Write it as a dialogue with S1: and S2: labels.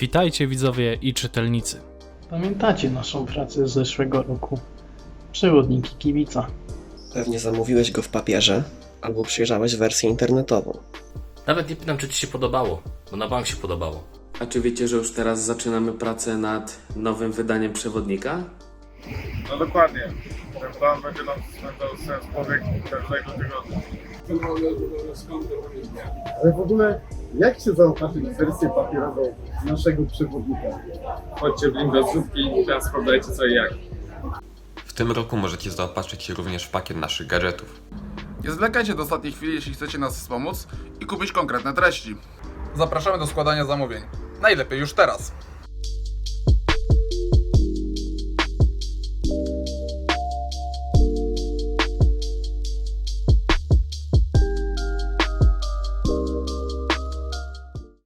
S1: Witajcie widzowie i czytelnicy.
S2: Pamiętacie naszą pracę z zeszłego roku? Przewodniki kibica.
S3: Pewnie zamówiłeś go w papierze, albo przejrzałeś wersję internetową.
S4: Nawet nie pytam, czy Ci się podobało, bo na bank się podobało.
S5: A czy wiecie, że już teraz zaczynamy pracę nad nowym wydaniem przewodnika?
S6: No dokładnie. Ten plan będzie nam spędzał sens powiek każdego tygodnia.
S7: Ale w ogóle, jak się zaopatrzyć w wersję papierową naszego przewodnika?
S6: Chodźcie w link do zróbki i teraz sprawdzajcie co i jak.
S8: W tym roku możecie zaopatrzyć się również w pakiet naszych gadżetów.
S9: Nie zwlekajcie do ostatniej chwili, jeśli chcecie nas wspomóc i kupić konkretne treści. Zapraszamy do składania zamówień. Najlepiej już teraz.